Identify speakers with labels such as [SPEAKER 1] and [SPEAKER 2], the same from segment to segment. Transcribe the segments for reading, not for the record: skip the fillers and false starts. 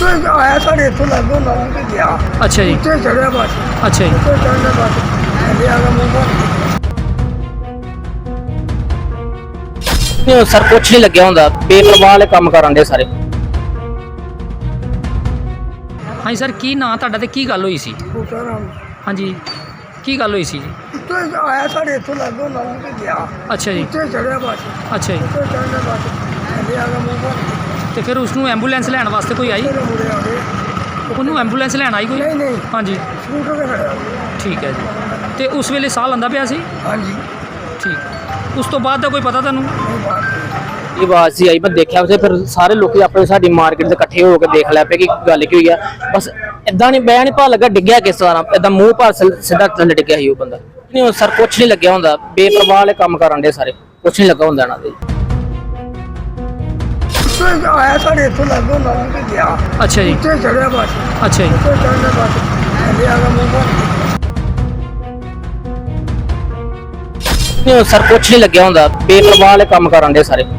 [SPEAKER 1] ਆਇਆ ਸਾਡੇ ਇੱਥੋਂ ਲੱਗੋ ਨਾ ਤੇ ਗਿਆ।
[SPEAKER 2] ਅੱਛਾ ਜੀ,
[SPEAKER 1] ਉੱਥੇ ਚੜਿਆ ਬਸ।
[SPEAKER 2] ਅੱਛਾ ਜੀ।
[SPEAKER 1] ਉੱਥੇ ਚੜ੍ਹਨਾ ਬਸ ਥੱਲੇ ਆ ਗਿਆ ਮੂੰਹ
[SPEAKER 3] ਨਹੀਂ ਸਰ ਕੁਛ ਨਹੀਂ ਲੱਗਿਆ ਹੁੰਦਾ, ਬੇਪਰਵਾਹ ਵਾਲੇ ਕੰਮ ਕਰਨ ਦੇ ਸਾਰੇ।
[SPEAKER 2] ਹਾਂਜੀ ਸਰ, ਕੀ ਨਾਂ ਤੁਹਾਡਾ ਤੇ ਕੀ ਗੱਲ ਹੋਈ ਸੀ?
[SPEAKER 1] ਬੂਟਾ ਰਾਮ।
[SPEAKER 2] ਹਾਂਜੀ, ਕੀ ਗੱਲ ਹੋਈ ਸੀ ਜੀ?
[SPEAKER 1] ਉੱਥੇ ਆਇਆ ਸਾਡੇ ਇੱਥੋਂ ਲੱਗੋ ਨਾ ਤੇ ਗਿਆ।
[SPEAKER 2] ਅੱਛਾ ਜੀ,
[SPEAKER 1] ਉੱਥੇ ਚੜਿਆ ਬਸ।
[SPEAKER 2] ਅੱਛਾ ਜੀ।
[SPEAKER 1] ਉੱਥੇ ਚੜ੍ਹਨਾ ਬਸ ਥੱਲੇ ਆ ਗਿਆ ਮੂੰਹ
[SPEAKER 2] ਤੇ ਫਿਰ ਉਸ ਨੂੰ ਐਂਬੂਲੈਂਸ ਲੈਣ ਵਾਸਤੇ ਕੋਈ ਆਈ?
[SPEAKER 1] ਮੁੜੇ ਆ ਗਏ।
[SPEAKER 2] ਉਹਨੂੰ ਐਂਬੂਲੈਂਸ ਲੈਣ ਆਈ ਕੋਈ?
[SPEAKER 1] ਨਹੀਂ ਨਹੀਂ
[SPEAKER 2] ਹਾਂਜੀ,
[SPEAKER 1] ਸਕੂਟਰ ਤੇ ਖੜਿਆ।
[SPEAKER 2] ਠੀਕ ਹੈ ਜੀ। ਤੇ ਉਸ ਵੇਲੇ ਸਾਹ ਲੈਂਦਾ ਪਿਆ ਸੀ?
[SPEAKER 1] ਹਾਂਜੀ
[SPEAKER 2] ਠੀਕ। ਉਸ ਤੋਂ ਬਾਅਦ ਦਾ ਕੋਈ ਪਤਾ ਤੁਹਾਨੂੰ?
[SPEAKER 1] ਨਹੀਂ ਬਾਤ
[SPEAKER 3] ਇਹ ਆਵਾਜ਼ ਸੀ ਆਈ, ਮੈਂ ਦੇਖਿਆ ਉਸੇ ਫਿਰ ਸਾਰੇ ਲੋਕੀ ਆਪਣੇ ਸਾਡੀ ਮਾਰਕੀਟ ਦੇ ਇਕੱਠੇ ਹੋ ਕੇ ਦੇਖ ਲਿਆ ਪਏ ਕਿ ਗੱਲ ਕੀ ਹੋਈ ਆ। ਬਸ ਇਦਾਂ ਨਹੀਂ ਬਿਆਨ ਨਹੀਂ ਪਾ ਲੱਗਾ ਡਿੱਗਿਆ ਕਿਸ ਤਰ੍ਹਾਂ, ਇਦਾਂ ਮੂੰਹ ਭਰ ਸਿੱਧਾ ਥੱਲੇ ਡਿੱਗਿਆ ਸੀ ਉਹ ਬੰਦਾ। ਨਹੀਂ ਸਰ ਕੁਛ ਨਹੀਂ ਲੱਗਿਆ ਹੁੰਦਾ, ਬੇਪਰਵਾਹ ਵਾਲੇ ਕੰਮ ਕਰਨ ਦੇ ਸਾਰੇ, ਕੁਛ ਨਹੀਂ ਲੱਗਾ ਹੁੰਦਾ ਇਹਨਾਂ ਦੇ।
[SPEAKER 1] ਉੱਥੇ ਆਇਆ ਸਾਡੇ ਇੱਥੋਂ ਲੱਗੋ ਨਾ ਤੇ ਗਿਆ।
[SPEAKER 2] ਅੱਛਾ ਜੀ,
[SPEAKER 1] ਉੱਥੇ ਚੜਿਆ ਬਸ।
[SPEAKER 2] ਅੱਛਾ ਜੀ।
[SPEAKER 1] ਉੱਥੇ ਚੜ੍ਹਨਾ ਬਸ ਥੱਲੇ ਆ ਗਿਆ ਮੂੰਹ
[SPEAKER 3] ਨਹੀਂ ਸਰ ਕੁਛ ਨਹੀਂ ਲੱਗਿਆ ਹੁੰਦਾ, ਬੇਪਰਵਾਹ ਵਾਲੇ ਕੰਮ ਕਰਨ ਦੇ ਸਾਰੇ।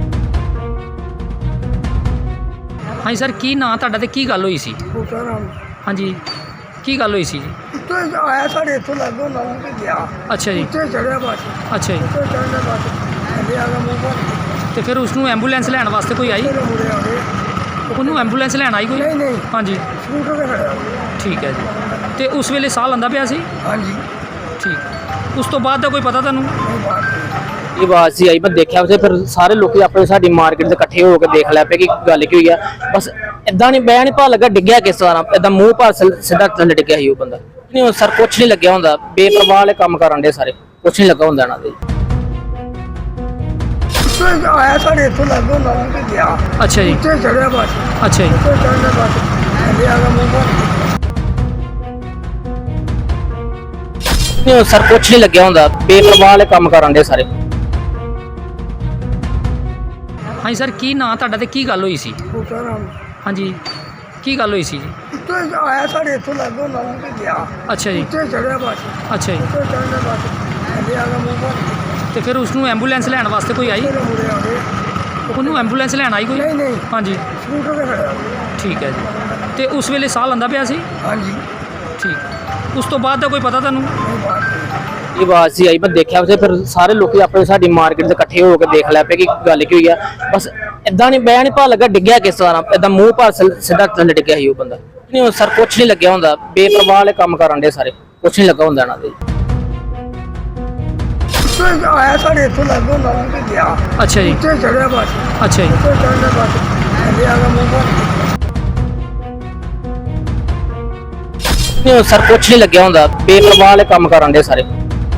[SPEAKER 2] ਹਾਂਜੀ ਸਰ, ਕੀ ਨਾਂ ਤੁਹਾਡਾ ਤੇ ਕੀ ਗੱਲ ਹੋਈ ਸੀ?
[SPEAKER 1] ਬੂਟਾ ਰਾਮ।
[SPEAKER 2] ਹਾਂਜੀ, ਕੀ ਗੱਲ ਹੋਈ ਸੀ ਜੀ?
[SPEAKER 1] ਉੱਥੇ ਆਇਆ ਸਾਡੇ ਇੱਥੋਂ ਲੱਗੋ ਨਾ ਤੇ ਗਿਆ।
[SPEAKER 2] ਅੱਛਾ ਜੀ,
[SPEAKER 1] ਉੱਥੇ ਚੜਿਆ ਬਸ।
[SPEAKER 2] ਅੱਛਾ ਜੀ।
[SPEAKER 1] ਉੱਥੇ ਚੜ੍ਹਨਾ ਬਸ ਥੱਲੇ ਆ ਗਿਆ ਮੂੰਹ
[SPEAKER 2] ਤੇ ਫਿਰ ਉਸ ਨੂੰ ਐਂਬੂਲੈਂਸ ਲੈਣ ਵਾਸਤੇ ਕੋਈ ਆਈ?
[SPEAKER 1] ਮੁੜੇ ਆ ਗਏ।
[SPEAKER 2] ਉਹਨੂੰ ਐਂਬੂਲੈਂਸ ਲੈਣ ਆਈ ਕੋਈ?
[SPEAKER 1] ਨਹੀਂ ਨਹੀਂ
[SPEAKER 2] ਹਾਂਜੀ,
[SPEAKER 1] ਸਕੂਟਰ ਤੇ ਖੜਿਆ।
[SPEAKER 2] ਠੀਕ ਹੈ ਜੀ। ਤੇ ਉਸ ਵੇਲੇ ਸਾਹ ਲੈਂਦਾ ਪਿਆ ਸੀ?
[SPEAKER 1] ਹਾਂਜੀ
[SPEAKER 2] ਠੀਕ। ਉਸ ਤੋਂ ਬਾਅਦ ਦਾ ਕੋਈ ਪਤਾ ਤੁਹਾਨੂੰ?
[SPEAKER 1] ਨਹੀਂ ਬਾਤ
[SPEAKER 3] ਇਹ ਆਵਾਜ਼ ਸੀ ਆਈ, ਮੈਂ ਦੇਖਿਆ ਉਸੇ ਫਿਰ ਸਾਰੇ ਲੋਕੀ ਆਪਣੇ ਸਾਡੀ ਮਾਰਕੀਟ ਦੇ ਇਕੱਠੇ ਹੋ ਕੇ ਦੇਖ ਲਿਆ ਪਏ ਕਿ ਗੱਲ ਕੀ ਹੋਈ ਆ। ਬਸ ਇਦਾਂ ਨਹੀਂ ਬਿਆਨ ਨਹੀਂ ਪਾ ਲੱਗਾ ਡਿੱਗਿਆ ਕਿਸ ਤਰ੍ਹਾਂ, ਇਦਾਂ ਮੂੰਹ ਭਰ ਸਿੱਧਾ ਥੱਲੇ ਡਿੱਗਿਆ ਸੀ ਉਹ ਬੰਦਾ। ਨਹੀਂ ਸਰ ਕੁਛ ਨਹੀਂ ਲੱਗਿਆ ਹੁੰਦਾ, ਬੇਪਰਵਾਹ ਵਾਲੇ ਕੰਮ ਕਰਨ ਦੇ ਸਾਰੇ, ਕੁਛ ਨਹੀਂ ਲੱਗਾ ਹੁੰਦਾ ਇਹਨਾਂ ਦੇ।
[SPEAKER 1] ਉੱਥੇ ਆਇਆ ਸਾਡੇ ਇੱਥੋਂ ਲੱਗੋ ਨਾ ਤੇ ਗਿਆ।
[SPEAKER 2] ਅੱਛਾ ਜੀ,
[SPEAKER 1] ਉੱਥੇ ਚੜਿਆ ਬਸ।
[SPEAKER 2] ਅੱਛਾ ਜੀ।
[SPEAKER 1] ਉੱਥੇ ਚੜ੍ਹਨਾ ਬਸ ਥੱਲੇ ਆ ਗਿਆ ਮੂੰਹ
[SPEAKER 3] ਨਹੀਂ ਸਰ ਕੁਛ ਨਹੀਂ ਲੱਗਿਆ ਹੁੰਦਾ, ਬੇਪਰਵਾਹ ਵਾਲੇ ਕੰਮ ਕਰਨ ਦੇ ਸਾਰੇ।
[SPEAKER 2] ਹਾਂਜੀ ਸਰ, ਕੀ ਨਾਂ ਤੁਹਾਡਾ ਤੇ ਕੀ ਗੱਲ ਹੋਈ ਸੀ?
[SPEAKER 1] ਬੂਟਾ ਰਾਮ।
[SPEAKER 2] ਹਾਂਜੀ, ਕੀ ਗੱਲ ਹੋਈ ਸੀ ਜੀ?
[SPEAKER 1] ਉੱਥੇ ਆਇਆ ਸਾਡੇ ਇੱਥੋਂ ਲੱਗੋ ਨਾ ਤੇ ਗਿਆ।
[SPEAKER 2] ਅੱਛਾ ਜੀ,
[SPEAKER 1] ਉੱਥੇ ਚੜਿਆ ਬਸ।
[SPEAKER 2] ਅੱਛਾ ਜੀ।
[SPEAKER 1] ਉੱਥੇ ਚੜ੍ਹਨਾ ਬਸ ਥੱਲੇ ਆ ਗਿਆ ਮੂੰਹ
[SPEAKER 2] ਤੇ ਫਿਰ ਉਸ ਨੂੰ ਐਂਬੂਲੈਂਸ ਲੈਣ ਵਾਸਤੇ ਕੋਈ ਆਈ?
[SPEAKER 1] ਮੁੜੇ ਆ ਗਏ।
[SPEAKER 2] ਉਹਨੂੰ ਐਂਬੂਲੈਂਸ ਲੈਣ ਆਈ ਕੋਈ?
[SPEAKER 1] ਨਹੀਂ ਨਹੀਂ
[SPEAKER 2] ਹਾਂਜੀ,
[SPEAKER 1] ਸਕੂਟਰ ਤੇ ਖੜਿਆ।
[SPEAKER 2] ਠੀਕ ਹੈ ਜੀ। ਤੇ ਉਸ ਵੇਲੇ ਸਾਹ ਲੈਂਦਾ ਪਿਆ ਸੀ?
[SPEAKER 1] ਹਾਂਜੀ
[SPEAKER 2] ਠੀਕ। ਉਸ ਤੋਂ ਬਾਅਦ ਦਾ ਕੋਈ ਪਤਾ ਤੁਹਾਨੂੰ?
[SPEAKER 1] ਨਹੀਂ ਬਾਤ
[SPEAKER 3] ਇਹ ਆਵਾਜ਼ ਸੀ ਆਈ, ਮੈਂ ਦੇਖਿਆ ਉਸੇ ਫਿਰ ਸਾਰੇ ਲੋਕੀ ਆਪਣੇ ਸਾਡੀ ਮਾਰਕੀਟ ਦੇ ਇਕੱਠੇ ਹੋ ਕੇ ਦੇਖ ਲਿਆ ਪਏ ਕਿ ਗੱਲ ਕੀ ਹੋਈ ਆ। ਬਸ ਇਦਾਂ ਨਹੀਂ ਬਿਆਨ ਨਹੀਂ ਪਾ ਲੱਗਾ ਡਿੱਗਿਆ ਕਿਸ ਤਰ੍ਹਾਂ, ਇਦਾਂ ਮੂੰਹ ਭਰ ਸਿੱਧਾ ਥੱਲੇ ਡਿੱਗਿਆ ਸੀ ਉਹ ਬੰਦਾ। ਨਹੀਂ ਸਰ ਕੁਛ ਨਹੀਂ ਲੱਗਿਆ ਹੁੰਦਾ, ਬੇਪਰਵਾਹ ਵਾਲੇ ਕੰਮ ਕਰਨ ਦੇ ਸਾਰੇ, ਕੁਛ ਨਹੀਂ ਲੱਗਾ ਹੁੰਦਾ ਇਹਨਾਂ ਦੇ।
[SPEAKER 1] ਉੱਥੇ ਆਇਆ ਸਾਡੇ ਇੱਥੋਂ ਲੱਗੋ ਨਾ ਤੇ ਗਿਆ।
[SPEAKER 2] ਅੱਛਾ ਜੀ,
[SPEAKER 1] ਉੱਥੇ ਚੜਿਆ ਬਸ।
[SPEAKER 2] ਅੱਛਾ ਜੀ।
[SPEAKER 1] ਉੱਥੇ ਚੜ੍ਹਨਾ ਬਸ ਥੱਲੇ ਆ ਗਿਆ ਮੂੰਹ
[SPEAKER 3] ਨਹੀਂ ਸਰ ਕੁਛ ਨਹੀਂ ਲੱਗਿਆ ਹੁੰਦਾ, ਬੇਪਰਵਾਹ ਵਾਲੇ ਕੰਮ ਕਰਨ ਦੇ ਸਾਰੇ।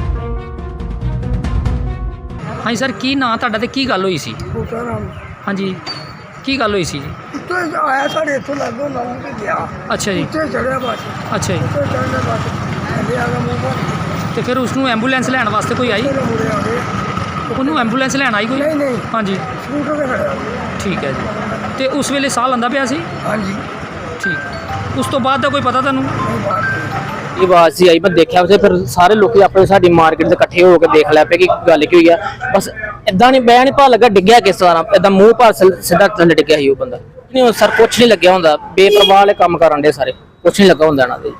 [SPEAKER 2] ਹਾਂਜੀ ਸਰ, ਕੀ ਨਾਂ ਤੁਹਾਡਾ ਤੇ ਕੀ ਗੱਲ ਹੋਈ ਸੀ?
[SPEAKER 1] ਬੂਟਾ ਰਾਮ।
[SPEAKER 2] ਹਾਂਜੀ, ਕੀ ਗੱਲ ਹੋਈ ਸੀ ਜੀ?
[SPEAKER 1] ਉੱਥੇ ਆਇਆ ਸਾਡੇ ਇੱਥੋਂ ਲੱਗੋ ਨਾ ਤੇ ਗਿਆ।
[SPEAKER 2] ਅੱਛਾ ਜੀ,
[SPEAKER 1] ਉੱਥੇ ਚੜਿਆ ਬਸ।
[SPEAKER 2] ਅੱਛਾ ਜੀ।
[SPEAKER 1] ਉੱਥੇ ਚੜ੍ਹਨਾ ਬਸ ਥੱਲੇ ਆ ਗਿਆ ਮੂੰਹ
[SPEAKER 2] ਤੇ ਫਿਰ ਉਸ ਨੂੰ ਐਂਬੂਲੈਂਸ ਲੈਣ ਵਾਸਤੇ ਕੋਈ ਆਈ?
[SPEAKER 1] ਮੁੜੇ ਆ ਗਏ।
[SPEAKER 2] ਉਹਨੂੰ ਐਂਬੂਲੈਂਸ ਲੈਣ ਆਈ ਕੋਈ?
[SPEAKER 1] ਨਹੀਂ ਨਹੀਂ
[SPEAKER 2] ਹਾਂਜੀ,
[SPEAKER 1] ਸਕੂਟਰ ਤੇ ਖੜਿਆ।
[SPEAKER 2] ਠੀਕ ਹੈ ਜੀ। ਤੇ ਉਸ ਵੇਲੇ ਸਾਹ ਲੈਂਦਾ ਪਿਆ ਸੀ?
[SPEAKER 1] ਹਾਂਜੀ
[SPEAKER 2] ਠੀਕ। ਉਸ ਤੋਂ ਬਾਅਦ ਦਾ ਕੋਈ ਪਤਾ ਤੁਹਾਨੂੰ?
[SPEAKER 1] ਨਹੀਂ ਬਾਤ
[SPEAKER 3] ਇਹ ਆਵਾਜ਼ ਸੀ ਆਈ, ਮੈਂ ਦੇਖਿਆ ਉਸੇ ਫਿਰ ਸਾਰੇ ਲੋਕੀ ਆਪਣੇ ਸਾਡੀ ਮਾਰਕੀਟ ਦੇ ਇਕੱਠੇ ਹੋ ਕੇ ਦੇਖ ਲਿਆ ਪਏ ਕਿ ਗੱਲ ਕੀ ਹੋਈ ਆ। ਬਸ ਇਦਾਂ ਨਹੀਂ ਬਿਆਨ ਨਹੀਂ ਪਾ ਲੱਗਾ ਡਿੱਗਿਆ ਕਿਸ ਤਰ੍ਹਾਂ, ਇਦਾਂ ਮੂੰਹ ਭਰ ਸਿੱਧਾ ਥੱਲੇ ਡਿੱਗਿਆ ਸੀ ਉਹ ਬੰਦਾ। ਨਹੀਂ ਸਰ ਕੁਛ ਨਹੀਂ ਲੱਗਿਆ ਹੁੰਦਾ, ਬੇਪਰਵਾਹ ਵਾਲੇ ਕੰਮ ਕਰਨ ਦੇ ਸਾਰੇ, ਕੁਛ ਨਹੀਂ ਲੱਗਾ ਹੁੰਦਾ ਇਹਨਾਂ ਦੇ।